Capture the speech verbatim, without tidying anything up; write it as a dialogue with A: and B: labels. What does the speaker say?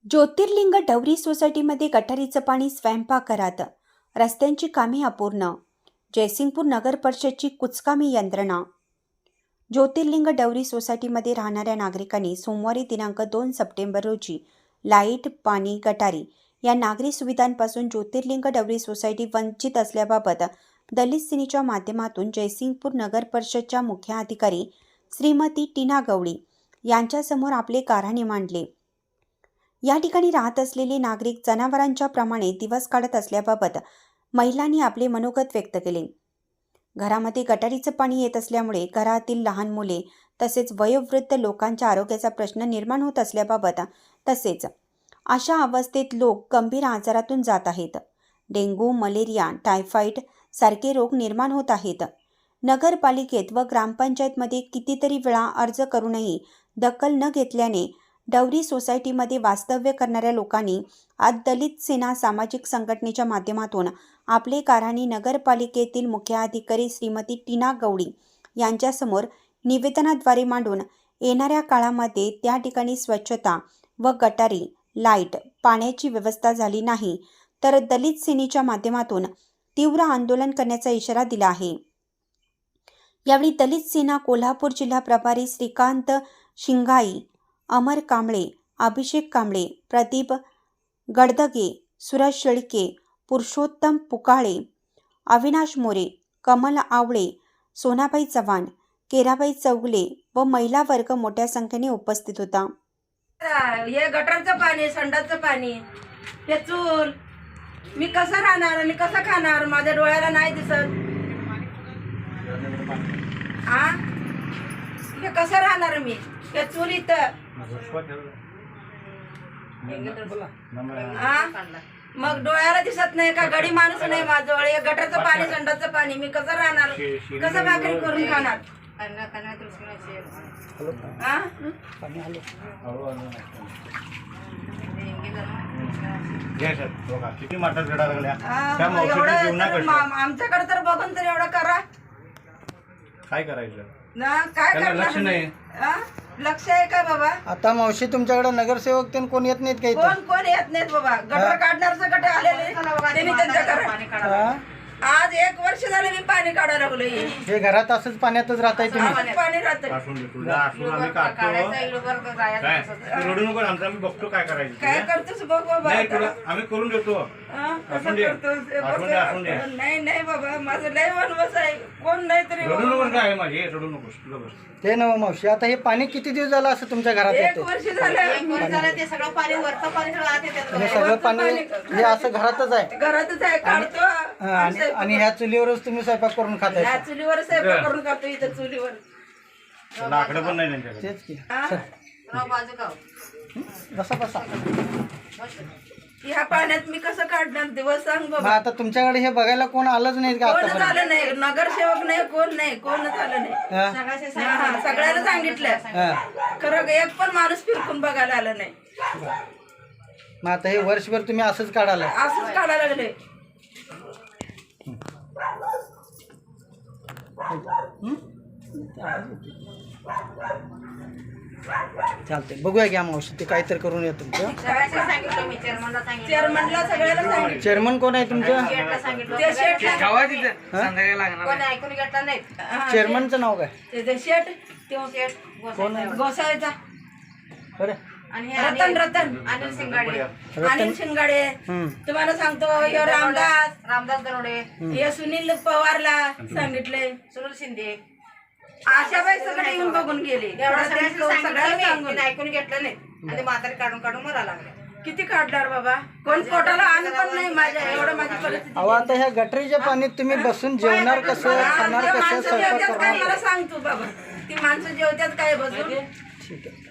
A: ज्योतिर्लिंग डवरी सोसायटीमध्ये गटारीचं पाणी स्वयंपाकघरात, रस्त्यांची कामे अपूर्ण, जयसिंगपूर नगर परिषदची कुचकामी यंत्रणा. ज्योतिर्लिंग डवरी सोसायटीमध्ये राहणाऱ्या नागरिकांनी सोमवारी दिनांक दोन सप्टेंबर रोजी लाईट, पाणी, गटारी या नागरी सुविधांपासून ज्योतिर्लिंग डवरी सोसायटी वंचित असल्याबाबत दलित सेनेच्या माध्यमातून जयसिंगपूर नगर परिषदच्या मुख्याधिकारी श्रीमती टीना गवळी यांच्यासमोर आपले गाऱ्हाणे मांडले. या ठिकाणी राहत असलेले नागरिक जनावरांच्या प्रमाणे दिवस काढत असल्याबाबत महिलांनी आपले मनोगत व्यक्त केले. घरामध्ये गटारीचं पाणी येत असल्यामुळे घरातील लहान मुले तसेच वयोवृद्ध लोकांच्या आरोग्याचा प्रश्न निर्माण होत असल्याबाबत तसेच अशा अवस्थेत लोक गंभीर आजारातून जात आहेत. डेंग्यू, मलेरिया, टायफॉइड सारखे रोग निर्माण होत आहेत. नगरपालिकेत व ग्रामपंचायतमध्ये कितीतरी वेळा अर्ज करूनही दखल न घेतल्याने डवरी सोसायटीमध्ये वास्तव्य करणाऱ्या लोकांनी आज दलित सेना सामाजिक संघटनेच्या माध्यमातून आपले गाऱ्हाणे नगरपालिकेतील मुख्याधिकारी श्रीमती टीना गवळी यांच्यासमोर निवेदनाद्वारे मांडून येणाऱ्या काळामध्ये त्या ठिकाणी स्वच्छता व गटारी, लाईट, पाण्याची व्यवस्था झाली नाही तर दलित सेनेच्या माध्यमातून तीव्र आंदोलन करण्याचा इशारा दिला आहे. यावेळी दलित सेना कोल्हापूर जिल्हा प्रभारी श्रीकांत शिंगाई, अमर कांबळे, अभिषेक कांबळे, प्रदीप गडदगे, सुरज शेळके, पुरुषोत्तम पुकाळे, अविनाश मोरे, कमल आवळे, सोनाबाई चव्हाण, केराबाई चौगले व महिला वर्ग मोठ्या संख्येने उपस्थित होता.
B: हे गटरचं पाणी, संडासचं पाणी, हे चूल, मी कसं राहणार आणि कसं खाणार? माझ्या डोळ्याला नाही दिसत. हा, हे कसं राहणार मी? हे चूल इथं, मग डोळ्याला दिसत नाही का? गडी माणूस नाही माझ्याजवळ. हे गटरचं पाणी, संडासचं पाणी, मी कसं राहणार? कसं भाकरी करून खाणार? आमच्याकडे तर बघून तर एवढं करा.
C: काय करायचं
B: ना? काय
C: लक्ष नाही.
B: लक्ष आहे का बाबा?
D: आता मावशी तुमच्याकडे नगरसेवक ते कोण येत नाहीत काही?
B: कोण कोण येत नाहीत बाबा. गटर काढणार गट आलेले त्यांनी त्यांच्या आज एक वर्ष झाले मी पाणी काढायला लागलोय.
D: हे घरात असंच पाण्यातच राहताय तुम्ही?
B: पाणी राहतं.
C: रडू नको, आमचं आम्ही बघतो काय करायचं.
B: काय करतोस बघ बाबा.
C: आम्ही करून देतो.
B: नाही नाही बाबा, माझं लय वनवास आहे. कोण नाही तरी
C: रडू नको. काय माझे रडू नकोस.
D: ते नव मावशी, आता हे पाणी किती दिवस झालं असं तुमच्या घरात
B: एक
D: येते?
B: वर्ष झालं.
E: ते सगळं पाणी वरचं पाणी सगळं आत येतं.
D: आणि सगळं पाणी हे असं घरातच आहे?
B: घरातच आहे, काढतो.
D: हा, आणि आणि ह्या चुलीवरच तुम्ही स्वयंपाक करून खाताय?
B: या चुलीवर स्वयंपाक करून खातो. इथं चुलीवर
C: लाकडं पण नाही त्यांच्याकडे.
D: तेच की.
E: बाजू गाव
D: बसा बसा.
B: ह्या पाण्यात मी कसं काढणार दिवस सांग
D: मग
B: बाबा.
D: आता तुमच्याकडे हे बघायला कोण आलंच नाही का
B: कोण
D: आता?
B: झालं नाही, नगरसेवक नाही, कोण नाही, कोण झालं नाही. हा, सगळ्याला सांगितलं. खरं एक पण माणूस फिरकून बघायला आलं नाही.
D: मग आता हे वर्षभर तुम्ही असंच काढायला?
B: असंच काढायला लागले.
D: चालते, बघूया घ्या मावशी, ते काहीतरी करून या तुमचं.
E: सांगितलं मी चेअरमनला सांगितलं.
B: चेअरमनला सगळ्याला सांगितलं.
D: चेअरमन कोण आहे तुमचं?
E: गेटला सांगितलं.
B: ते शेट
E: कोणी ऐकून घेतलं नाही.
D: चेअरमनचं नाव काय?
B: ते शेट
E: तो सेठ
D: कोण आहे?
B: गोसाळीचा
D: बरं.
E: आणि
B: रतन रतन
E: अनिल सिंगाडे,
B: अनिल शिंगाडे.
D: हम्म.
B: तुम्हाला सांगतो, ह्यो रामदास,
E: रामदास दरोडे,
B: हे सुनील पवारला सांगितले,
E: सुनील शिंदे,
B: आशाबाई सगळे येऊन बघून गेले.
E: एवढं
B: सगळ्यांना सगळ्याला सांगून
E: सांगितलं ऐकून घेतलं नाही. आणि ते म्हातारे काढून काढून मरा लागले.
B: किती काढणार बाबा? कोण पोटाला अन्न पण नाही माझ्या. एवढं माझी परिस्थिती.
D: अहो, आता ह्या गटरीच्या पाण्यात तुम्ही बसून जेवणार कसं, खाणार
B: ते
D: कसं,
B: माणसं
D: स्वयंपाक
B: जेवत्यात काय
D: करणार?
B: मला सांगतो बाबा. ती माणसं जेवत्यात काय बसून?
D: ठीक आहे.